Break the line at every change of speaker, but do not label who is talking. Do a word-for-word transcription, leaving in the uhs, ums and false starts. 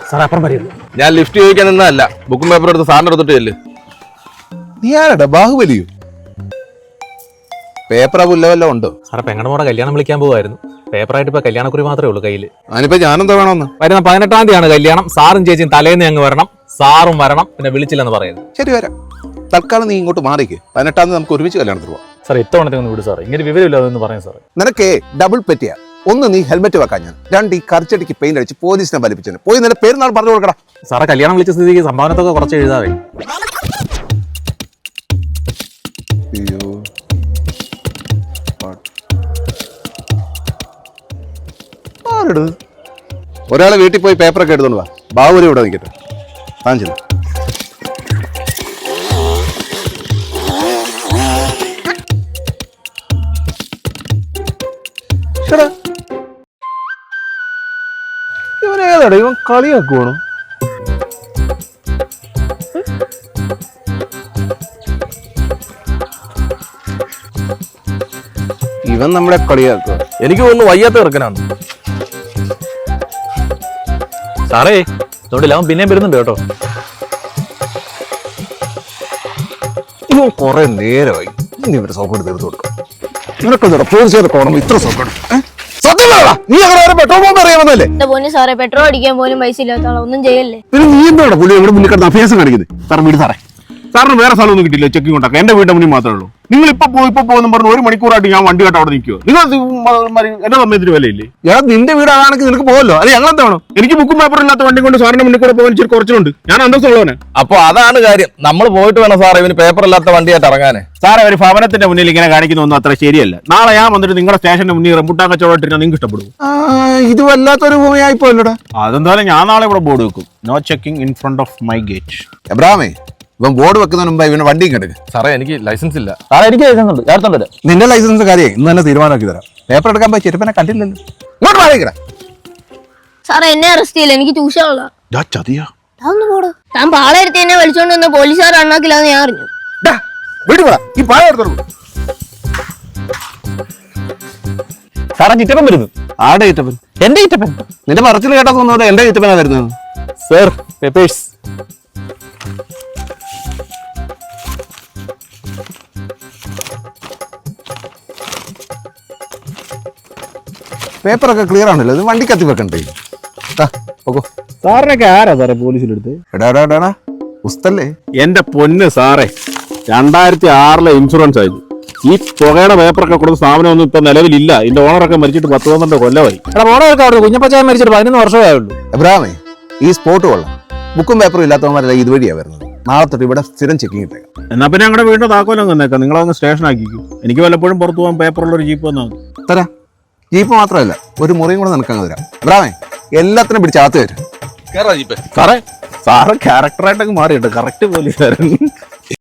Sir അപ്പുറം പറയുന്നു.
ഞാൻ ലിഫ്റ്റ് ചോദിക്കാൻ നിന്നല്ല, ബുക്കും പേപ്പർ എടുത്ത് സാറിന് എടുത്തിട്ട് ചെല്ല്.
നീ ആരടാ ബാഹുബലിയോ? പേപ്പർ പുല്ലവല്ലോ ഉണ്ടോ?
സാറെ പെങ്ങളുടെ മോടെ കല്യാണം വിളിക്കാൻ പോകുമായിരുന്നു. പേപ്പറായിട്ട് ഇപ്പൊ കല്യാണക്കുറി മാത്രമേ ഉള്ളൂ കയ്യിൽ.
അതിനിപ്പോ ഞാനെന്താ വേണമെന്ന്?
വരുന്ന പതിനെട്ടാം തീയതിയാണ് കല്യാണം. സാറും ചേച്ചിയും തലേന്ന് ഞങ്ങൾ വരണം. സാറും വരണം, പിന്നെ വിളിച്ചില്ലെന്ന് പറയുന്നത്.
ശരി വരാം. തൽക്കാലം നീ ഇങ്ങോട്ട് മാറിക്ക്. പതിനെട്ടാം തീയതി നമുക്ക് ഒരുമിച്ച് കല്യാണത്തിന് പോവാം.
സാർ ഇത്തവണത്തെ ഒന്ന് വിട് സാർ, ഇങ്ങനെ വിവരമില്ലാതെന്ന് പറയാം സാർ.
നിനക്കേ ഡബിൾ പെറ്റിയാ. ഒന്ന് നീ ഹെൽമെറ്റ് വെക്കാൻ, ഞാൻ രണ്ട് ഈ കറിച്ചടിക്ക് പെയിന്റ് അടിച്ച് പോലീസിനെ വലിപ്പിച്ചു പോയി നിന്റെ പേരുന്നാൾ പറഞ്ഞു കൊടുക്കടാ.
സാറെ കല്യാണം വിളിച്ച സ്ഥിതിക്ക് സംഭാവനത്തൊക്കെ കുറച്ച് എഴുതാവേ.
ഒരാളെ വീട്ടിൽ പോയി പേപ്പറൊക്കെ എടുത്തോണ്ട് വാ. ബാബുരി ഇവിടെ നിൽക്കട്ടെ. താൻ ചെന്നു. ഇവനേതാടാ, ഇവൻ കളിയാക്കുവാണോ? ഇവൻ നമ്മളെ കളിയാക്കുക.
എനിക്ക് തോന്നുന്നു വയ്യാത്ത കിടക്കനാണ്.
സാറേ അതുകൊണ്ടില്ല, അവൻ പിന്നെയും വരുന്നുണ്ട് കേട്ടോ.
ഇവൻ കുറെ നേരമായി. ഇനി ഇവരെ സോക്കോട് തീർത്ത് കൊടുക്കാം. നിനക്കെന്താ പോലീസുകാരെ കോണം ഇത്ര സോക്കോട്? നീ അങ്ങനെ പെട്രോൾ പമ്പ് അറിയാമെന്നല്ലേ?
സാറേ പെട്രോൾ അടിക്കാൻ പോലും പൈസ ഇല്ലാത്ത ആളാ, ഒന്നും ചെയ്യല്ലേ.
പിന്നെ നീ എന്താണ് പുള്ളി ഇവിടെ മുന്നിൽ കിടന്ന് അഭ്യാസം കാണിക്കുന്നത്? സാർ വീട് സാറേ, സാറിന് വേറെ സ്ഥലമൊന്നും കിട്ടില്ല ചെക്കിംഗ് കൊണ്ടാക്കാം. എന്റെ വീടിന്റെ മുന്നിൽ മാത്രമേ ഉള്ളൂ. നിങ്ങൾ ഇപ്പൊ പോയി ഇപ്പൊ പോകുന്ന പറഞ്ഞു ഒരു മണിക്കൂറായിട്ട് ഞാൻ വണ്ടി കേട്ട് അവിടെ നിൽക്കുമോ? നിങ്ങൾ എന്റെ സമയത്തിന് വിലയില്ലേ? ഞാൻ നിന്റെ വീടാണെങ്കിൽ നിനക്ക് പോകല്ലോ. അത് ഞങ്ങൾ എന്താണോ? എനിക്ക് ബുക്കും പേപ്പർ ഇല്ലാത്ത വണ്ടി കൊണ്ട് സാറിന്റെ മുന്നിൽ കൂടെ പോകാൻ ഇച്ചിരി കുറച്ചുണ്ട്. ഞാൻ അന്തസ്സുള്ളവനെ.
അപ്പൊ അതാണ് കാര്യം. നമ്മൾ പോയിട്ട് വേണം സാറേ ഇവന് പേപ്പർ ഇല്ലാത്ത വണ്ടിയായിട്ട് ഇറങ്ങാനേ.
സാറേ ഒരു ഭവനത്തിന്റെ മുന്നിൽ ഇങ്ങനെ കാണിക്കുന്നൊന്നും അത്ര ശരിയല്ല. നാളെ ഞാൻ വന്നിട്ട് നിങ്ങളുടെ സ്റ്റേഷന്റെ മുന്നിൽ റംബുട്ടാൻ കച്ചവടം ഇട്ടിട്ട് നിങ്ങൾക്ക് ഇഷ്ടപ്പെടും. ഇത് വല്ലാത്തൊരു ഭൂമിയായിപ്പോല്ലടാ. അതെന്തായാലും ഞാൻ നാളെ ഇവിടെ ബോർഡ് വെക്കും. No checking in front of my gate. എബ്രാമേ, ഇവൻ ബോർഡ് വെക്കുന്നതിന് മുമ്പ് ഇവന് വണ്ടി കിടക്ക്.
സാറേ എനിക്ക് ലൈസൻസ് ഇല്ല.
സാറേ എനിക്ക് ലൈസൻസ് ഉണ്ട്, ചേർത്തുണ്ട്.
നിന്റെ ലൈസൻസ് കാര്യം ഇന്ന് തന്നെ തീരുമാനമാക്കി തരാം. പേപ്പർ എടുക്കാൻ പോയി ചെരുപ്പനെ കണ്ടില്ലല്ലോ. ഇങ്ങോട്ട് വാങ്ങിക്കട.
സാറേ എന്നെ അറസ്റ്റ് ചെയ്യില്ല, എനിക്ക് ട്യൂഷനുള്ള.
ചതിയാ
പോടോ. താൻ പാളെടുത്ത് എന്നെ വലിച്ചോണ്ട് വന്ന പോലീസുകാർ അണ്ണാക്കില്ലാന്ന് ഞാൻ അറിഞ്ഞു.
ഈ പാഴ എടുത്തോളൂ.
സാറേ ചിറ്റപ്പൻ വരുന്നു.
ആടെ ചിറ്റപ്പൻ?
എന്റെ ചിറ്റപ്പൻ.
നിന്റെ പറച്ചിൽ കേട്ടാ തോന്നുന്നത് എന്റെ ചിറ്റപ്പനാ വരുന്നത്.
Sir papers.
പേപ്പറൊക്കെ ക്ലിയർ ആണല്ലോ. ഇത് വണ്ടി കത്തി വെക്കണ്ടേ?
സാറിനൊക്കെ ആരാ സാറേ പോലീസിലെടുത്ത്?
എടാ എടാ എടാ ഉസ്തല്ലേ?
എന്റെ പൊന്ന് സാറേ, രണ്ടായിരത്തി ആറിലെ ഇൻഷുറൻസ് ആയിരുന്നു. ഈ പുകയുടെ പേപ്പറൊക്കെ കൊടുത്ത സ്ഥാപനമൊന്നും ഇപ്പൊ നിലവിലില്ല. ഇതിന്റെ ഓണറൊക്കെ മരിച്ചിട്ട് പത്ത് പന്ത്രണ്ട് കൊല്ലമായി.
എടാ ഓണറൊക്കെ അവിടെ കുഞ്ഞപ്പച്ചായ മരിച്ചിട്ട് പതിനൊന്ന് വർഷമേ ആയുള്ളൂ.
എബ്രാമേ, ഈ സ്പോട്ട് കൊള്ളാം. ബുക്കും പേപ്പറും ഇല്ലാത്തവന്മാരല്ല ഇതുവഴിയാ വരുന്നത്. നാളെ തൊട്ട് ഇവിടെ സ്ഥിരം ചെക്കിങ് ഇട്ടേക്കാം.
എന്നാ പിന്നെ ഞങ്ങളുടെ വീടിന്റെ താക്കോലം തന്നേക്കാം. നിങ്ങളങ്ങ് സ്റ്റേഷൻ ആക്കിക്കും. എനിക്ക് വല്ലപ്പോഴും പുറത്തു പോകാൻ പേപ്പറുള്ള ഒരു ജീപ്പ് വന്നാൽ മതി.
തരാം. ജീപ്പ് മാത്രമല്ല, ഒരു മുറിയും കൂടെ നിനക്കങ്ങ് തരാം. എബ്രാമേ, എല്ലാത്തിനും പിടിച്ച് അകത്ത് വരും.
കേറാ ജീപ്പേ.
സാറേ സാറ് ക്യാരക്ടറായിട്ടൊക്കെ മാറിയിട്ട് കറക്റ്റ് പോലീസുകാരൻ.